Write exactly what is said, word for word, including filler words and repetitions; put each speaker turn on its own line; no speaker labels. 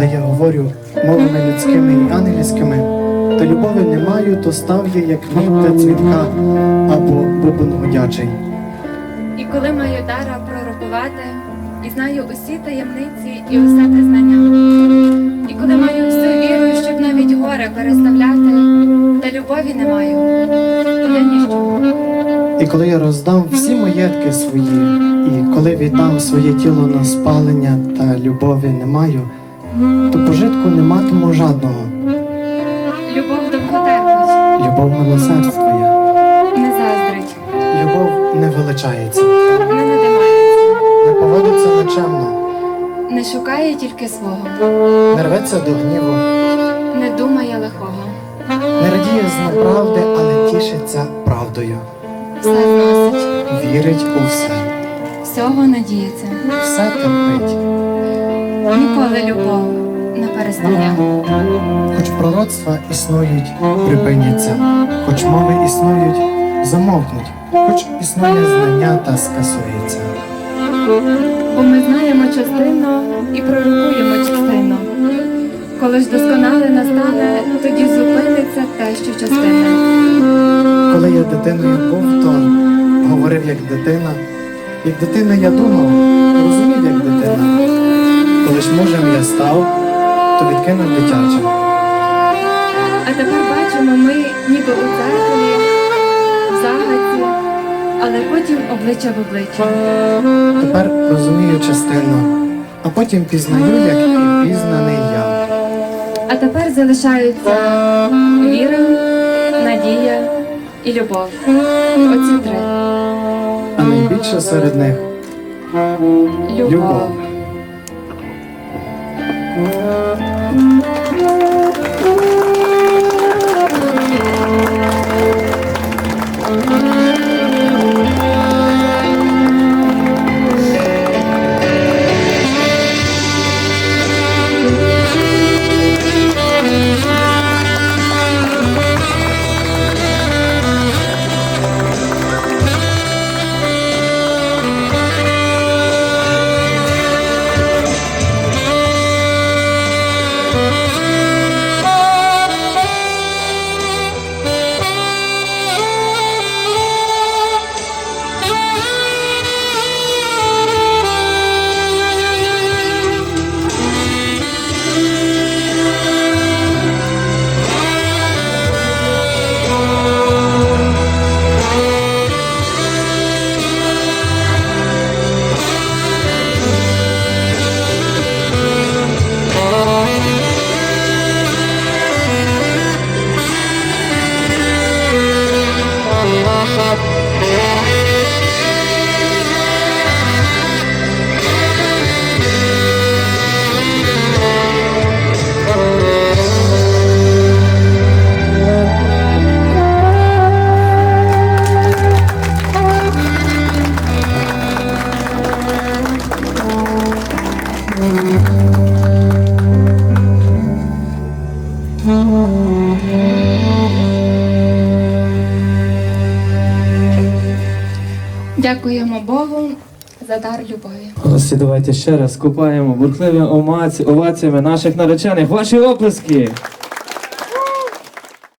коли я говорю мовами людськими і ангельськими, та любові не маю, то став я, як квітка цвітка або бубон гудячий.
І коли маю дара пророкувати, і знаю усі таємниці і усе те знання, і коли маю всю віру, щоб навіть горе переставляти, та любові не маю, то я ніщо.
І коли я роздам всі маєтки свої, і коли віддам своє тіло на спалення, та любові не маю, то пожитку не матиму жадного.
Любов довготерпить,
Любов милосердствує,
не заздрить,
любов не величається,
не надимається,
не поводиться нечемно,
не шукає тільки свого,
не рветься до гніву,
не думає лихого,
не радіє з неправди, але тішиться правдою,
все зносить,
вірить у все,
всього надіється,
все терпить.
ніколи любов не перестає.
Хоч пророцтва існують, припиняться, хоч мови існують, замовкнуть, хоч існує знання та скасується.
Бо ми знаємо частину і пророкуємо частину. Коли ж досконале настане, тоді зупиниться те, що частина.
Коли я дитиною був, то говорив як дитина. Як дитина я думав, розумів як дитина. Коли ж мужем я став, то відкинув дитяче.
А тепер бачимо ми ніби у дзеркалі, в загадці, але потім обличчя в обличчя.
Тепер розумію частину, а потім пізнаю, як і пізнаний я.
А тепер залишаються віра, надія і любов. Оці три.
А найбільше серед них
Любов.
любов.
Дякуємо Богу за дар любові.
Ось, давайте ще раз купаємо бурхливими оваціями наших наречених. Ваші оплески!